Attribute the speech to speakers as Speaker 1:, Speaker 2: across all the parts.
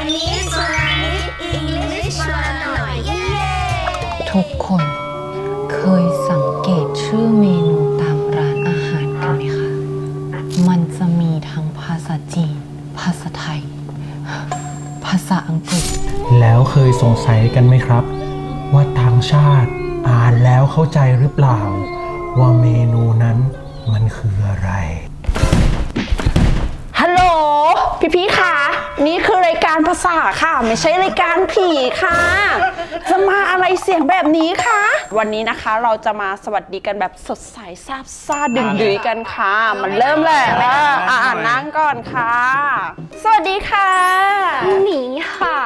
Speaker 1: นี้ชวนนิด English ชวนหน่อยเย้
Speaker 2: ทุกคนเคยสังเกตชื่อเมนูตามร้านอาหารกันไหมคะ มันจะมีทั้งภาษาจีน ภาษาไทย ภาษาอังกฤษ
Speaker 3: แล้วเคยสงสัยกันไหมครับ ว่าต่างชาติอ่านแล้วเข้าใจหรือเปล่า ว่าเมนูนั้นมันคืออะไร
Speaker 4: ฮัลโหลพี่ๆค่ะนี่คือรายการภาษาค่ะไม่ใช่รายการผีค่ะจะมาอะไรเสียงแบบนี้คะวันนี้นะคะเราจะมาสวัสดีกันแบบสดใสซาบซ่าดึงดื้อกันค่ะมันเริ่มแล้วนั่งก่อนค่ะสวัสดีค่ะหนีค่ะ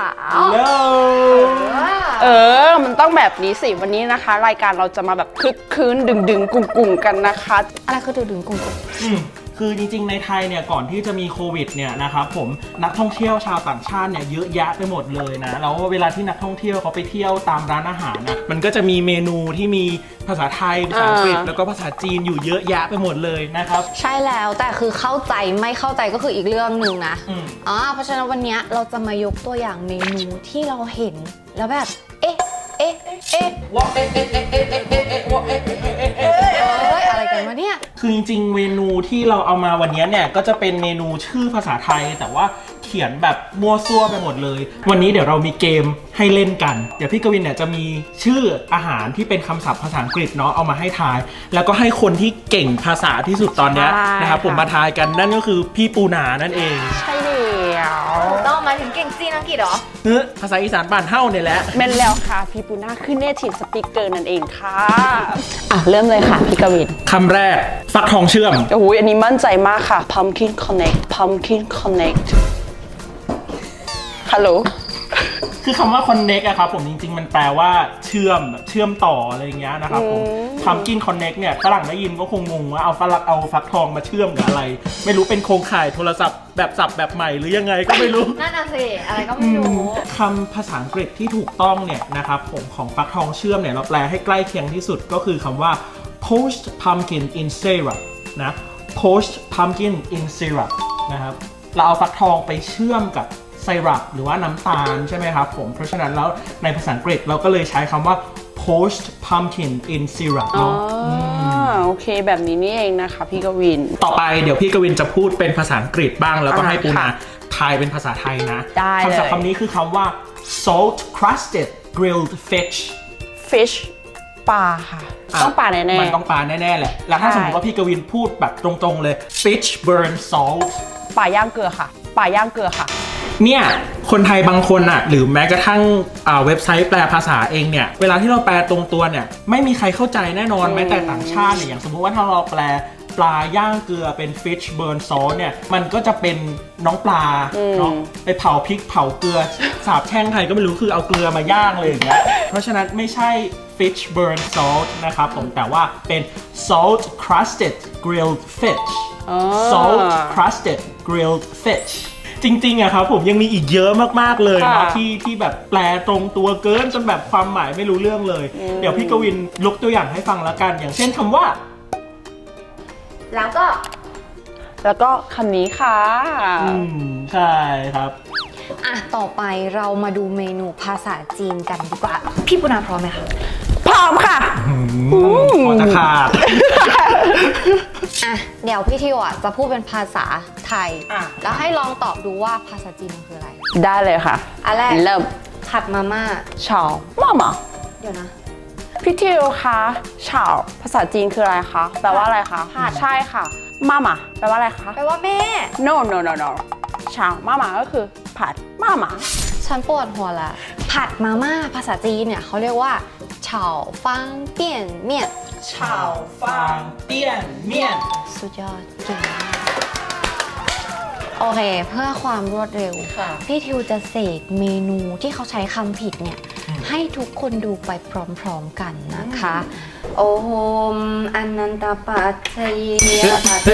Speaker 4: มันต้องแบบนี้สิวันนี้นะคะรายการเราจะมาแบบคึกคืนดึงกุ่งกันนะคะอะไรคือดึงกุ่ง
Speaker 3: คือจริงๆในไทยเนี่ยก่อนที่จะมีโควิดเนี่ยนะครับผมนักท่องเที่ยวชาวต่างชาติเนี่ยเยอะแยะไปหมดเลยนะแล้วเวลาที่นักท่องเที่ยวเขาไปเที่ยวตามร้านอาหารนะมันก็จะมีเมนูที่มีภาษาไทยภาษาอังกฤษแล้วก็ภาษาจีนอยู่เยอะแยะไปหมดเลยนะครับ
Speaker 2: ใช่แล้วแต่คือเข้าใจไม่เข้าใจก็คืออีกเรื่องหนึ่งนะเพราะฉะนั้นวันนี้เราจะมายกตัวอย่างเมนูที่เราเห็นแล้วแบบอะไรกันวะเนี่ย
Speaker 3: คือจริงๆเมนูที่เราเอามาวันนี้เนี่ยก็จะเป็นเมนูชื่อภาษาไทยแต่ว่าเขียนแบบมั่วซั่วไปหมดเลยวันนี้เดี๋ยวเรามีเกมให้เล่นกันเดี๋ยวพี่กวินเนี่ยจะมีชื่ออาหารที่เป็นคำศัพท์ภาษาอังกฤษเนาะเอามาให้ทายแล้วก็ให้คนที่เก่งภาษาที่สุดตอนนี้นะครับผมมาทายกันนั่นก็คือพี่ปูนานั่นเอง
Speaker 4: ใช่แล้ว
Speaker 1: ต้องมาถึงเก่งจีนอังกฤษเหรอ
Speaker 3: ภาษาอีสานบ้านเฮ้าเนี่ยแหละ
Speaker 4: แม่นแล้วค่ะพี่ปูนาคือ Native Speaker นั่นเองค่ะเริ่มเลยค่ะพี่กวิน
Speaker 3: คำแรกฟักทองเชื่อม
Speaker 4: โอ้โหอันนี้มั่นใจมากค่ะ Pumpkin Connect ฮัลโหล
Speaker 3: คือคำว่า connect อะครับผมจริงๆมันแปลว่าเชื่อมต่ออะไรอย่างเงี้ยนะครับผม pumpkin connect เนี่ยฝรั่งได้ยินก็คงงงว่าเอาฟักทองมาเชื่อมกับอะไรไม่รู้เป็นโครงข่ายโทรศัพท์แบบสับแบบใหม่หรือยังไงก็ไม่รู้
Speaker 1: นั่นน่ะสิอะไรก็ไม่รู้
Speaker 3: คำภาษาอังกฤษที่ถูกต้องเนี่ยนะครับผมของฟักทองเชื่อมเนี่ยเราแปลให้ใกล้เคียงที่สุดก็คือคำว่า poached pumpkin in syrup นะ poached pumpkin in syrup นะครับเราเอาฟักทองไปเชื่อมกับไซรัปหรือว่าน้ำตาลใช่ไหมครับผมเพราะฉะนั้นแล้วในภาษาอังกฤษเราก็เลยใช้คำว่า poached pumpkin in syrup เนาะ
Speaker 4: โอเคแบบนี้นี่เองนะคะพี่กวิน
Speaker 3: ต่อไปเดี๋ยวพี่กวินจะพูดเป็นภาษาอังกฤษบ้างแล้วก็ให้ปูนาทายเป็นภาษาไทยนะคำศัพท์คำนี้คือคำว่า salt crusted grilled
Speaker 4: fish ปลาค่ะต้องปลาแน่ๆ
Speaker 3: มันต้องปลาแน่ๆแหละแล้วถ้าสมมติว่าพี่กวินพูดแบบตรงๆเลย fish burn salt
Speaker 4: ปลาย่างเกลือค่ะปลาย่างเกลือค่ะ
Speaker 3: เนี่ยคนไทยบางคนอ่ะหรือแม้กระทั่งเว็บไซต์แปลภาษาเองเนี่ยเวลาที่เราแปลตรงตัวเนี่ยไม่มีใครเข้าใจแน่นอนแม้แต่ต่างชาติเนี่ยอย่างสมมติว่าถ้าเราแปลปลาย่างเกลือเป็น fish burn salt เนี่ยมันก็จะเป็นน้องปลาเนาะไปเผาพริกเผาเกลือสาบแช่งใครก็ไม่รู้คือเอาเกลือมาย่างเลยอย่างเงี้ยเพราะฉะนั้นไม่ใช่ fish burn salt นะครับผมแต่ว่าเป็น salt crusted grilled fish salt crusted grilled fishจริงๆอะครับผมยังมีอีกเยอะมากๆเลยนะที่แบบแปลตรงตัวเกินจนแบบความหมายไม่รู้เรื่องเลยเดี๋ยวพี่กวินยกตัวอย่างให้ฟังแล้วกันอย่างเช่นคำว่า
Speaker 1: แล้ว
Speaker 4: ก็คำนี้ค่ะ
Speaker 3: ใช่ครับ
Speaker 2: ต่อไปเรามาดูเมนูภาษาจีนกันดีกว่าพี่ปุณาพร้อมไหมคะ
Speaker 4: พร้อมค่ะ
Speaker 3: พอจะขาด
Speaker 2: เดี๋ยวพี่ทิวจะพูดเป็นภาษาไทยแล้วให้ลองตอบดูว่าภาษาจีนมันคืออะไร
Speaker 4: ได้เลยค่ะ
Speaker 2: อันแรก
Speaker 4: เริ่ม
Speaker 2: ผัดมาม่า
Speaker 4: เฉาม่าม่า
Speaker 2: เดี๋ยวนะ
Speaker 4: พี่ทิวคะเฉาภาษาจีนคืออะไรคะแปลว่าอะไรคะใช่ค่ะม่าม่าแปลว่าอะไรคะ
Speaker 2: แปลว่าแม่
Speaker 4: no เฉาม่าม่าก็คือผัดม่าม่า
Speaker 2: ฉันปวดหัวละผัดมาม่าภาษาจีนเนี่ยเขาเรียกว่าเฉาฟังเปี่ยนเมี่ยน
Speaker 3: เฉาฟังเปี่ยนเมี่ยน
Speaker 2: สุดยอดเก่งมากโอเคเพื่อความรวดเร็วพี่ทิวจะเสกเมนูที่เขาใช้คำผิดเนี่ยให้ทุกคนดูไปพร้อมๆกันนะคะโอมอนันตปัจจยปัจเจ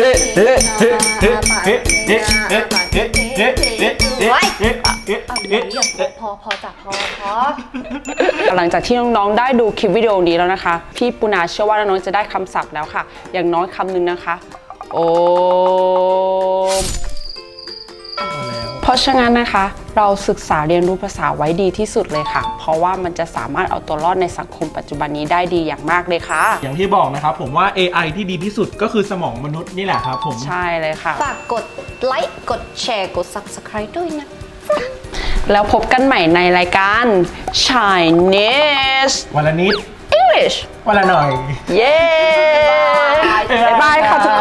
Speaker 2: พอจับพอ
Speaker 4: หลังจากที่น้องๆได้ดูคลิปวิดีโอนี้แล้วนะคะพี่ปุณาเชื่อว่าน้องๆจะได้คำศัพท์แล้วค่ะอย่างน้อยคำหนึ่งนะคะโอมเพราะฉะนั้นนะคะเราศึกษาเรียนรู้ภาษาไว้ดีที่สุดเลยค่ะ เพราะว่ามันจะสามารถเอาตัวรอดในสังคมปัจจุบันนี้ได้ดีอย่างมากเลยค่ะ
Speaker 3: อย่างที่บอกนะครับผมว่า AI ที่ดีที่สุดก็คือสมองมนุษย์นี่แหละครับผม
Speaker 4: ใช่เลยค่ะ
Speaker 2: ฝากกดไลค์กดแชร์กด Subscribe ด้วยนะ
Speaker 4: แล้วพบกันใหม่ในรายการ Chinese
Speaker 3: วันละนิด
Speaker 4: English
Speaker 3: วันละหน่อย
Speaker 4: เย้ บ๊ายบายค่ะทุก